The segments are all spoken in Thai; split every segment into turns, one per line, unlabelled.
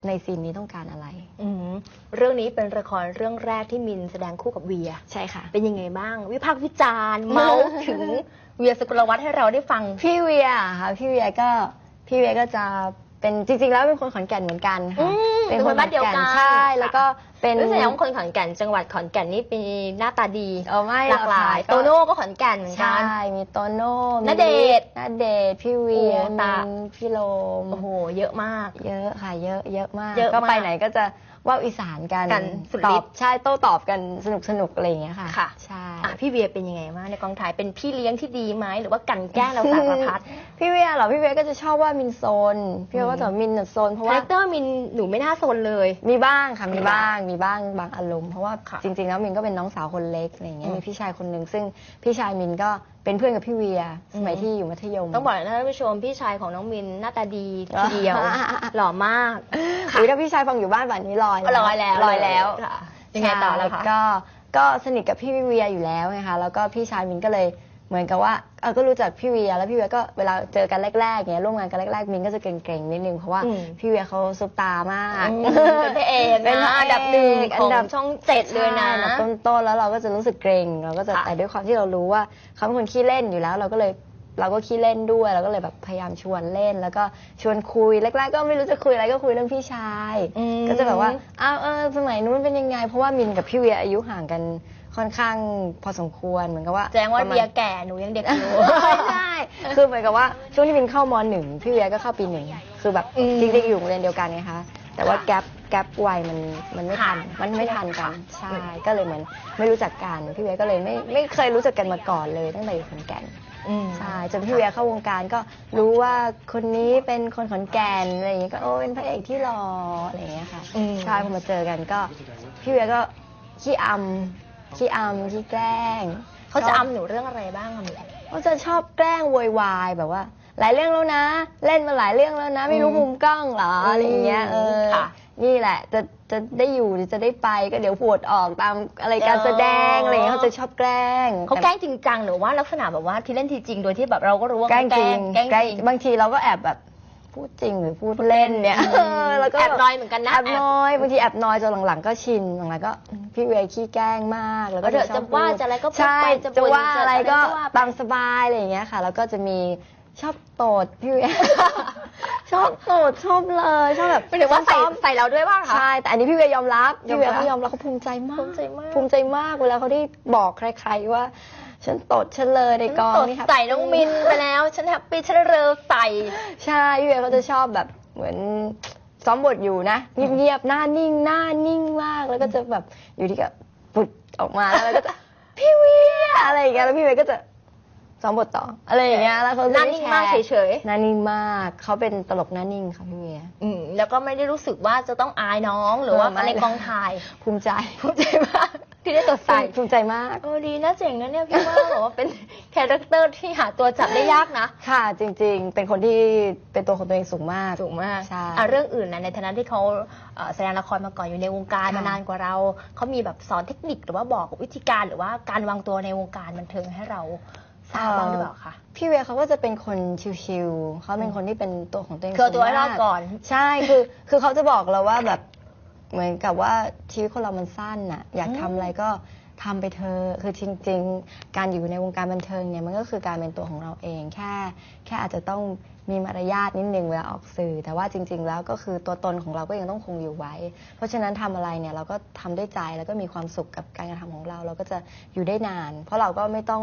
ในซีนนี้ต้องการอะไร
เรื่องนี้เป็นละครเรื่องแรกที่มินแสดงคู่กับเวีย
ใช่ค่ะ
เป็นยังไงบ้างวิพากษ์วิจารณ์เมาส์ถึงเวีย สุกลวัฒน์ให้เราได้ฟัง
พี่เวียค่ะพี่เวียก็จะเป็นจริงๆแล้วเป็นคนขอนแก่นเหมือนกันค่ะ
เป็นคนบ้านเดียวกัน
ใช่แล้วก็เป็น
รู้สึกว่าคนขอนแก่นจังหวัดขอนแก่นนี่เป็นหน้าตาดี
ไม่
หลากหลายโตโน่ก็ขอนแก่นเหมือนกัน
ใช่มีโตโน่
ณเดชน์
พี่เวียมินพี่โลม
โอ้โหเยอะมาก
เยอะค่ะเยอะมากก็ไปไหนก็จะว่าอีสานกัน
สุด
ต
ฤ
อบใช่โต้ตอบกันสนุกอะไรอย่างเงี้ยค่ะ
ค่ะ
ใช่
พี่เวียเป็นยังไงบ้างในกองถ่ายเป็นพี่เลี้ยงที่ดีไหมหรือว่ากันแกล้งเราสารพัด
พี่เวียเหรอพี่เวียก็จะชอบว่ามินโซนพี่เวียก็จะมินโซนเพราะว่า
คาแรคเตอร์มินหนูไม่น่าโซนเลย
มีบ้างค่ะมีบ้างบางอารมณ์เพราะว่าจริงๆแล้วมินก็เป็นน้องสาวคนเล็กอะไรอย่างเงี้ยมีพี่ชายคนหนึ่งซึ่งพี่ชายมินก็เป็นเพื่อนกับพี่เวียสมัยที่อยู่มัธยม
ต้องบอกนะท่านผู้ชมพี่ชายของน้องมินหน้าตาดีทีเดียวหล่อมาก
ถ้าพี่ชายฟังอยู่บ้านแบบนี้ลอยแล้ว
ยังไงต่อแล้วคะ
ก็สนิทกับพี่เวียอยู่แล้วไงคะแล้วก็พี่ชายมินก็เลยเหมือนกับว่าก็รู้จักพี่เวียแล้วพี่เวียก็เวลาเจอกันแรกๆเงี้ยร่วมงานกันแรกๆมินก็จะเกรงๆนิดนึงเพราะว่าพี่เวียเขาซุปตามาก
เป็นพระเอกนะอันดับหนึ่งของช่อง7เลยนะ
ต้นๆแล้วเราก็จะรู้สึกเกรงเราก็จะแต่ด้วยความที่เรารู้ว่าเขาเป็นคนขี้เล่นอยู่แล้วเราก็ขี้เล่นด้วยเราก็เลยแบบพยายามชวนเล่นแล้วก็ชวนคุยแรกๆก็ไม่รู้จะคุยอะไรก็คุยเรื่องพี่ชายก็จะแบบว่าสมัยนู้นเป็นยังไงเพราะว่ามินกับพี่เวียอายุห่างกันค่อนข้างพอสมควรเหมือนกับว่า
แจ้งว่าเวียแก่หนูยังเด็กอยู่
ใช่คือเหมือนกับว่าช่วงที่มินเข้าม.1 พี่เวียก็เข้าปี 1คือแบบจริงๆอยู่โรงเรียนเดียวกันไงคะแต่ว่าแกปวัยมันไม่ทันกันใช่ก็เลยเหมือนไม่รู้จักกันพี่เวียก็เลยไม่เคยรู้จักกันมาก่อนเลยตั้งแต่อยู่ขอนแก่นใช่จนพี่เวียเข้าวงการก็รู้ว่าคนนี้เป็นคนขอนแก่นอะไรอย่างเงี้ยก็เป็นพระเอกที่หล่ออะไรอย่างเงี้ยค่ะใช่พอมาเจอกันก็พี่เวียก็ขี้อำขี้แกล้ง
เขาจะอำหนูเรื่องอะไรบ้างอะ
เขาจะชอบแกล้งโวยวายแบบว่าหลายเรื่องแล้วนะเล่นมาหลายเรื่องแล้วนะไม่รู้มุมกล้องเหรออะไรอย่างเงี้ยนี่แหละจะได้อยู่หรือจะได้ไปก็เดี๋ยวปวดออกตามอะไรการแสดงอะไรอย่างเงี้ยเขาจะชอบแกล้ง
เขาแกล้งจริงจังหรือว่าลักษณะแบบว่าที่เล่นทีจริงโดยที่แบบเราก็รู้ว่า
แกล้งจริงบางทีเราก็แอบแบบพูดจริงหรือพูดเล่นเนี่ย
แล้วก็แอบน้อยเหมือนกันนะ
แอบน้อยบางทีแอบน้อยจนหลังๆก็ชินหลังๆก็พี่เวียขี้แกล้งมากแล้วก็
จะว่าจะอะไรก็พูดไป
จะว่าอะไรก็ตามสบายอะไรอย่างเงี้ยค่ะแล้วก็จะมีชอบโตดพี่เวียชอบโตดชอบเลยชอบแบบ
ไม่ถึงว่าใส่เราด้วยว่าคะ
ใช่แต่อันนี้พี่เวียยอมรับพี่เวียเขายอมรับเขาภูมิใจมากเวลาเขาได้บอกใครๆว่าฉันตดฉันเลยในกองนี่ค่ะ
ใส่น้องมินไปแล้วฉันแฮปปี้ฉันเลอใส่
ใช่พี่เวียเขาจะชอบแบบเหมือนซ้อมบทอยู่นะเงียบๆหน้านิ่งมากแล้วก็จะแบบอยู่ที่ก็ปุดออกมาแล้วก็จะพี่เวียอะไรอย่างเงี้ยแล้วพี่เวียก็จะซ้อมบทต่ออะไรอย่างเงี้ยแล้วเขา
หน้านิ่งมากเฉย
ๆหน้านิ่งมากเขาเป็นตลกหน้านิ่งค่ะพี่เวีย
แล้วก็ไม่ได้รู้สึกว่าจะต้องอายน้องหรือว่าในกองถ่าย
ภูมิใจ
มากที่ได้ตัวใส่
ภูมิใจมาก
ดีนะเจ๋งนะเนี่ยพี่ว่าบอกว่าเป็นคาแรคเตอร์ที่หาตัวจับได้ยากนะ
ค่ะจริงๆเป็นคนที่เป็นตัวของตัวเองสูงมาก
ใช่เรื่องอื่นนะในฐานะที่เขาแสดงละครมาก่อนอยู่ในวงการมานานกว่าเราเขามีแบบสอนเทคนิคหรือว่าบอกวิธีการหรือว่าการวางตัวในวงการบันเทิงให้เราทราบบ้างหรือเปล่าคะ
พี่เวียเขาก็จะเป็นคนชิลๆเขาเป็นคนที่เป็นตัวของตัวเอง
คือตัวให้รอดก่อน
ใช่คือเขาจะบอกเราว่าแบบเหมือนกับว่าชีวิตคนเรามันสั้นน่ะอยากทำอะไรก็ทำไปเถอะคือจริงๆการอยู่ในวงการบันเทิงเนี่ยมันก็คือการเป็นตัวของเราเองแค่อาจจะต้องมีมารยาทนิดนึงเวลาออกสื่อแต่ว่าจริงๆแล้วก็คือตัวตนของเราก็ยังต้องคงอยู่ไว้เพราะฉะนั้นทำอะไรเนี่ยเราก็ทำด้วยใจแล้วก็มีความสุขกับการกระทำของเราก็จะอยู่ได้นานเพราะเราก็ไม่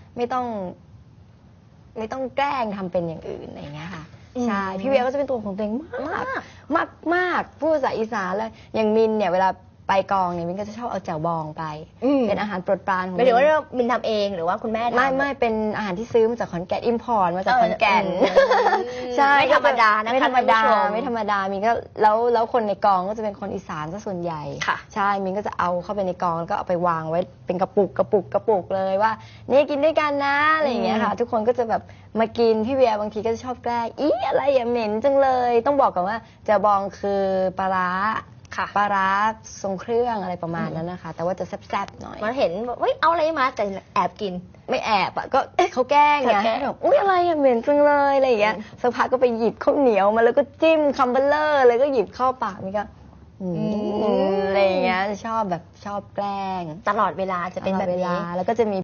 ต้องแกล้งทำเป็นอย่างอื่นอะไรอย่างเงี้ยค่ะใช่พี่เวียก็จะเป็นตัวของตัวเองมากพูดภาษาอีสานเลยอย่างมินเนี่ยเวลาไปกองเนี่ยมินก็จะชอบเอาแจ่วบองไปเป็นอาหารโปรดปรานของ
ไม่ถือว่ามินทำเองหรือว่าคุณแม่ทำ
ไม่เป็นอาหารที่ซื้อมาจากขอนแก่นอิมพอร์ตมาจากขอนแก่น
ใช่ไม่ธรรมดานะคะ
ไม่ธรรมดามินก็แล้วคนในกองก็จะเป็นคนอีสานซะส่วนใหญ่ใช่มินก็จะเอาเข้าไปในกองแล้วก็เอาไปวางไว้เป็นกระปุกเลยว่านี่กินด้วยกันนะอะไรอย่างเงี้ยค่ะทุกคนก็จะแบบมากินพี่เวียบางทีก็จะชอบแกล้งอะไรอย่าเหม็นจังเลยต้องบอกก่อนว่าแจ่วบองคือปลาร้า
ค่ะ
ปลาร้าทรงเครื่องอะไรประมาณนั้นนะคะ แต่ว่าจะแซ่บๆหน่อย
มันเห็นว่าเฮ้ยเอาอะไรมาแต่แอบกิน
ไม่แอบอะก็เขาแกล้งไง
เขาแกล้ง
แบบอุ้ยอะไรอะเหม็นจังเลยอะไรอย่างเงี้ยสักพักก็ไปหยิบข้าวเหนียวมาแล้วก็จิ้มคัมเบอร์เลอร์เลยก็หยิบเข้าปากนี่ก็อะไรอย่างเงี้ยชอบแกล้ง
ตลอดเวลาจะเป็นแบบ
ตลอดเว
นี้
ลาแล้วก็จะมี